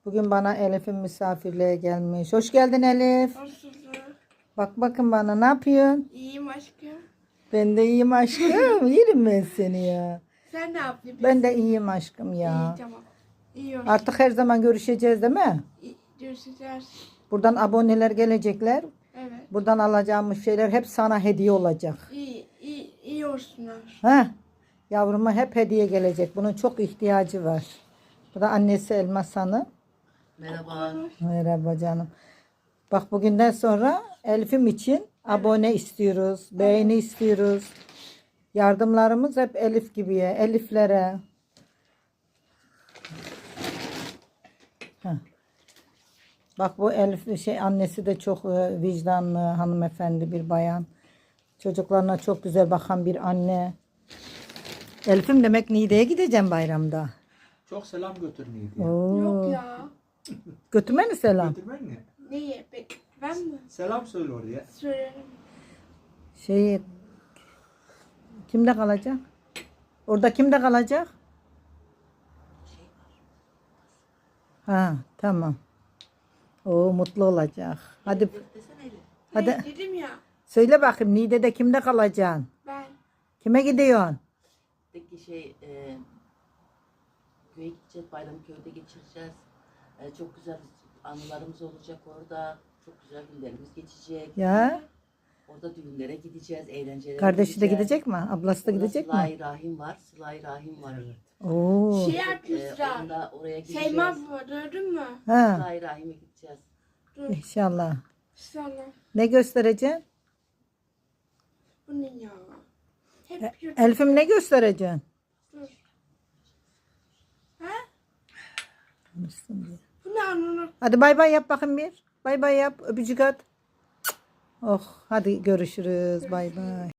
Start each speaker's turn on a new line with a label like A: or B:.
A: Bugün bana Elif'in misafirliğe gelmiş. Hoş geldin Elif.
B: Hoş bulduk.
A: Bak bakın bana, ne yapıyorsun?
B: İyiyim aşkım.
A: Ben de iyiyim aşkım. Yerim ben seni ya.
B: Sen ne yapıyorsun?
A: Ben de iyiyim aşkım ya.
B: İyi tamam. İyi olsun.
A: Artık her zaman görüşeceğiz değil mi?
B: Görüşeceğiz.
A: Buradan aboneler gelecekler.
B: Evet.
A: Buradan alacağımız şeyler hep sana hediye olacak.
B: İyi olsunlar.
A: Heh. Yavruma hep hediye gelecek. Bunun çok ihtiyacı var. Bu da annesi Elmas Hanım.
C: Merhaba.
A: Merhaba canım. Bak bugünden sonra Elif'im için abone istiyoruz. Beğeni istiyoruz. Yardımlarımız hep Elif gibiye. Eliflere. Heh. Bak bu Elif annesi de çok vicdanlı hanımefendi bir bayan. Çocuklarına çok güzel bakan bir anne. Elif'im demek Niğde'ye gideceğim bayramda.
C: Çok selam götürmeyi.
A: Oo.
B: Yok ya.
A: Götürmeni selam.
C: Götürmen ne?
B: Niye? Ben mi?
C: Selam söyle oraya.
B: Söylerim.
A: Kimde kalacak? Orada kimde kalacak? Ha, tamam. O mutlu olacak. Hadi hadi
B: Ne dedim ya?
A: söyle bakayım, Niğde'de kimde kalacaksın?
B: Ben.
A: Kime gidiyorsun?
D: Peki köye gideceğiz, bayramı köyde geçireceğiz. Çok güzel anılarımız olacak orada. Çok güzel günlerimiz geçecek.
A: Ya,
D: Orada düğünlere gideceğiz, eğlencelere
A: kardeşi de
D: gideceğiz.
A: gidecek mi? Ablası da
D: Orada
A: gidecek mi?
D: Sıla-i Rahim var, Sıla-i Rahim var.
A: Oo.
B: Şey yapmışlar.
D: Onda oraya gideceğiz.
B: Şeyma bu gördün mü?
A: Ha,
D: Sıla-i Rahim'e gideceğiz.
B: Dur.
A: inşallah.
B: Sana.
A: Ne göstereceksin?
B: Bu ne ya? Hep yurt.
A: Elif'im ne göstereceksin?
B: Dur. Ha?
A: Konuşsun diye.
B: Bu ne anını?
A: Hadi bay bay yap bakayım bir. Bay bay yap. Öpücük at. Oh, hadi görüşürüz. Bay bay.